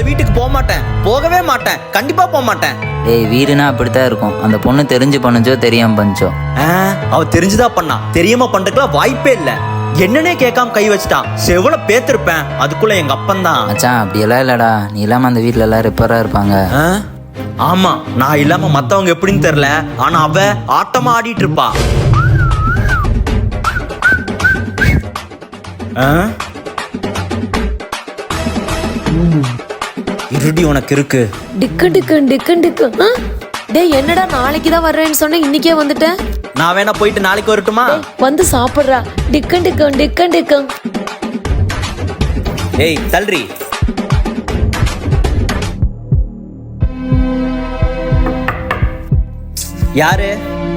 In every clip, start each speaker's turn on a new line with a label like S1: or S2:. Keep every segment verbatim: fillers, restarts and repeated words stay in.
S1: வீட்டுக்கு போக மாட்டேன், போகவே மாட்டேன், கண்டிப்பா போக மாட்டேன்.
S2: டேய் வீடுனா அப்படித்தான் இருக்கும். அந்த பொண்ணு தெரிஞ்சு பண்ணுச்சோ தெரியாம பண்ணுச்சோ.
S1: அவ தெரிஞ்சுதான் பண்ணா, தெரியாம பண்றதுக்குலாம் வாய்ப்பே இல்ல. என்னன்னே கேட்காம கை வச்சுட்டான். செவல பேத்திருப்பேன், அதுக்குள்ள எங்க அப்பன் தான்.
S2: மச்சான் அப்படியெல்லாம் இல்லடா, நீ இல்லாம அந்த வீட்டுல எல்லாம் ரிப்பேரா இருப்பாங்க.
S1: ஆமா, நான் இல்லாம மத்தவங்க எப்படின்னு தெரியல, ஆனா அவ ஆட்டமா ஆடிட்டு இருப்பா. இருடி உனக்கு இருக்கு.
S3: டிக்கு டிக்கு டிக்கு டிக்கு. டேய் என்னடா நாளைக்கு தான் வர்றேன்னு சொன்ன, இன்னைக்கே வந்துட்டேன்.
S1: நான் வேணா போயிட்டு நாளைக்கு வரட்டுமா?
S3: வந்து சாப்பிடுறா. டிக்கு டிக்கு டிக்கு டிக்கு.
S1: ஏய் தல்றி. யாரு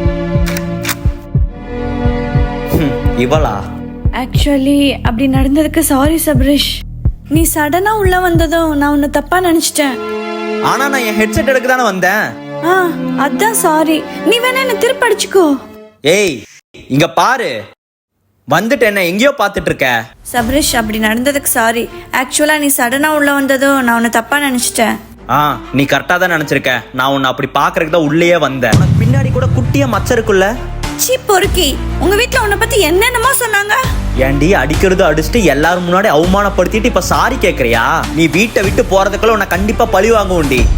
S1: இவளா?
S4: ஆக்சுவலி அப்படி நடந்ததுக்கு சாரி சபரிஷ். நீ சடனா உள்ள வந்ததும் நான் உன்னை தப்பா நினைச்சிட்டேன்.
S1: ஆனா நான் என் ஹெட்செட் எடுக்க தானே வந்தேன்.
S4: ஆ அதான் சாரி. நீ வேணா என்ன திருப்பி அடிச்சுக்கோ.
S1: ஏய் இங்க பாரு, வந்துட்டு என்ன எங்கேயோ பாத்துட்டு இருக்க.
S4: சபரிஷ் அப்படி நடந்ததுக்கு சாரி. ஆக்சுவலா நீ சடனா உள்ள வந்ததும் நான் உன்னை தப்பா நினைச்சிட்டேன்.
S1: ஆ நீ கரெக்டா தான் நினைச்சிருக்க. நான் உன்னை அப்படி பாக்குறதுக்கு தான் உள்ளேயே வந்தேன். உனக்கு பின்னாடி கூட குட்டியா மச்சம் இருக்குல்ல.
S4: சீ பொறுக்கி, உங்க வீட்டுல உன்னை பத்தி என்னென்னமோ சொன்னாங்க.
S1: ஏண்டி அடிக்கிறது அடிச்சுட்டு எல்லாரும் முன்னாடி அவமானப்படுத்திட்டு இப்ப சாரி கேக்குறியா? நீ வீட்டை விட்டு போறதுக்குள்ள உன்னை கண்டிப்பா பழி வாங்குவோண்டி.